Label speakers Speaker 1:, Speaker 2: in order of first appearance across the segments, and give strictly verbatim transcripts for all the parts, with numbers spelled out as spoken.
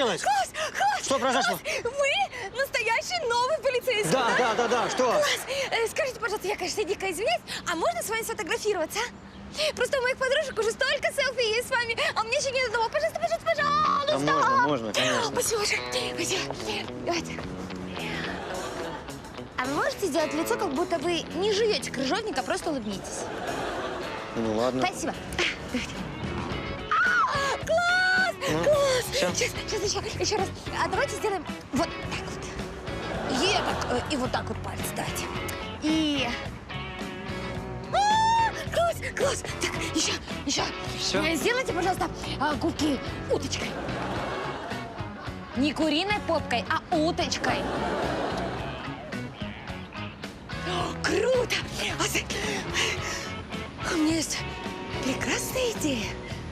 Speaker 1: случилось?
Speaker 2: Класс, класс,
Speaker 1: Что произошло?
Speaker 2: Класс. Вы настоящий новый полицейский,
Speaker 1: Да,
Speaker 2: да?
Speaker 1: да, да, да, что?
Speaker 2: Класс. Э, скажите, пожалуйста, я, конечно, дико извиняюсь, а можно с вами сфотографироваться? Просто у моих подружек уже столько селфи есть с вами, а у меня еще нет одного. Пожалуйста, пожалуйста, пожалуйста.
Speaker 1: Да можно, можно, конечно.
Speaker 2: Спасибо большое. Спасибо. Давайте. А вы можете сделать лицо, как будто вы не живете крыжовник, а просто улыбнитесь?
Speaker 1: Ну ладно.
Speaker 2: Спасибо. А, класс!
Speaker 1: Ну,
Speaker 2: Класс!
Speaker 1: всё.
Speaker 2: Сейчас, сейчас еще, еще раз. А давайте сделаем вот так вот. И так, э, и вот так вот палец дайте. И... А, класс, класс! Так, еще, еще.
Speaker 1: Всё?
Speaker 2: Э, Сделайте, пожалуйста, а, губки уточкой. Не куриной попкой, а уточкой. О, круто! А ты- У меня есть прекрасная идея.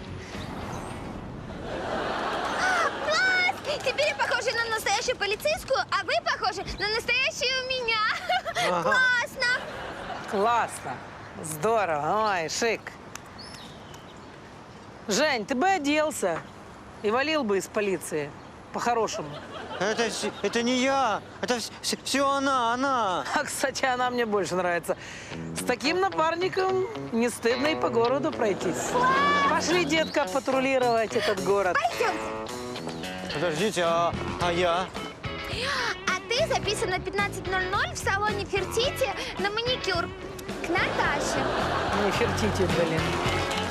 Speaker 2: А, класс! Теперь я похожа на настоящую полицейскую, а вы похожи на настоящую меня.
Speaker 1: Ага.
Speaker 2: Классно!
Speaker 3: Классно. Здорово. Ой, шик. Жень, ты бы оделся и валил бы из полиции. По-хорошему.
Speaker 1: Это, вс- это не я. Это все она, она.
Speaker 3: А, кстати, она мне больше нравится. С таким напарником не стыдно и по городу пройтись. Пошли, детка, патрулировать этот город.
Speaker 2: Пойдем.
Speaker 1: Подождите, а, а я?
Speaker 2: А ты записан на пятнадцать ноль ноль в салоне Фертити на маникюр к Наташе.
Speaker 3: Не фертите, блин.